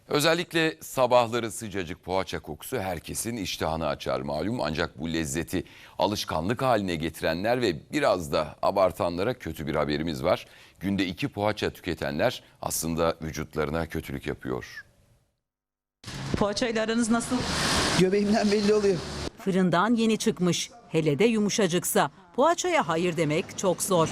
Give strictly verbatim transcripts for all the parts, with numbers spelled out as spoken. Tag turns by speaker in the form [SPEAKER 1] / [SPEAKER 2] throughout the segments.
[SPEAKER 1] Özellikle sabahları sıcacık poğaça kokusu herkesin iştahını açar malum. Ancak bu lezzeti alışkanlık haline getirenler ve biraz da abartanlara kötü bir haberimiz var. Günde iki poğaça tüketenler aslında vücutlarına kötülük yapıyor.
[SPEAKER 2] Poğaçayla aranız nasıl?
[SPEAKER 3] Göbeğimden belli oluyor.
[SPEAKER 2] Fırından yeni çıkmış. Hele de yumuşacıksa. Poğaçaya hayır demek çok zor.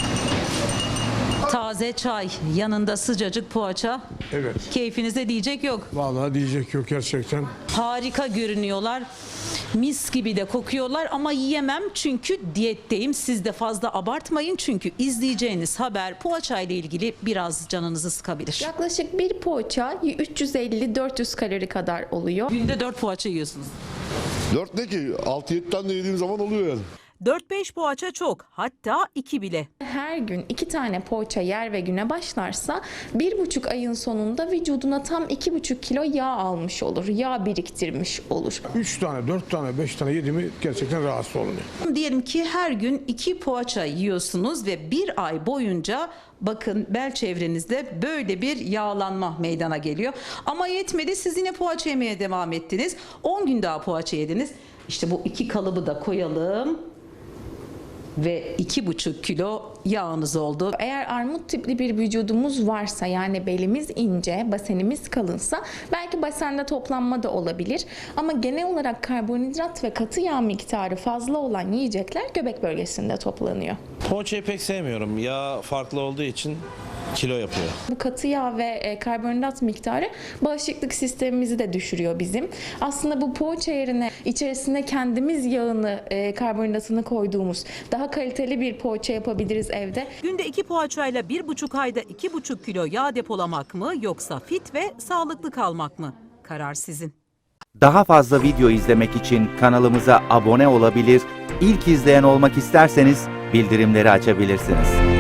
[SPEAKER 2] Taze çay, yanında sıcacık poğaça.
[SPEAKER 4] Evet.
[SPEAKER 2] Keyfinize diyecek yok.
[SPEAKER 4] Vallahi diyecek yok gerçekten.
[SPEAKER 2] Harika görünüyorlar. Mis gibi de kokuyorlar ama yiyemem çünkü diyetteyim. Siz de fazla abartmayın çünkü izleyeceğiniz haber poğaça ile ilgili biraz canınızı sıkabilir.
[SPEAKER 5] Yaklaşık bir poğaça üç yüz elli dört yüz kalori kadar oluyor.
[SPEAKER 2] Günde dört poğaça yiyorsunuz.
[SPEAKER 6] Dört ne ki? altı yedi tane de yediğim zaman oluyor yani.
[SPEAKER 2] dört beş poğaça çok, hatta iki bile.
[SPEAKER 5] Her gün iki tane poğaça yer ve güne başlarsa bir buçuk ayın sonunda vücuduna tam iki buçuk kilo yağ almış olur. Yağ biriktirmiş olur.
[SPEAKER 4] Üç tane, dört tane, beş tane yediğimi gerçekten rahatsız oluyor.
[SPEAKER 2] Diyelim ki her gün iki poğaça yiyorsunuz ve bir ay boyunca bakın bel çevrenizde böyle bir yağlanma meydana geliyor. Ama yetmedi, siz yine poğaça yemeye devam ettiniz. on gün daha poğaça yediniz. İşte bu iki kalıbı da koyalım. Ve iki buçuk kilo yağınız oldu.
[SPEAKER 5] Eğer armut tipli bir vücudumuz varsa, yani belimiz ince, basenimiz kalınsa belki basende toplanma da olabilir. Ama genel olarak karbonhidrat ve katı yağ miktarı fazla olan yiyecekler göbek bölgesinde toplanıyor.
[SPEAKER 7] Poğaçayı pek sevmiyorum. Yağ farklı olduğu için kilo yapıyor.
[SPEAKER 5] Bu katı yağ ve karbonhidrat miktarı bağışıklık sistemimizi de düşürüyor bizim. Aslında bu poğaça yerine içerisine kendimiz yağını, karbonhidratını koyduğumuz daha kaliteli bir poğaça yapabiliriz evde.
[SPEAKER 2] Günde iki poğaçayla bir buçuk ayda iki buçuk kilo yağ depolamak mı yoksa fit ve sağlıklı kalmak mı? Karar sizin.
[SPEAKER 8] Daha fazla video izlemek için kanalımıza abone olabilir, ilk izleyen olmak isterseniz bildirimleri açabilirsiniz.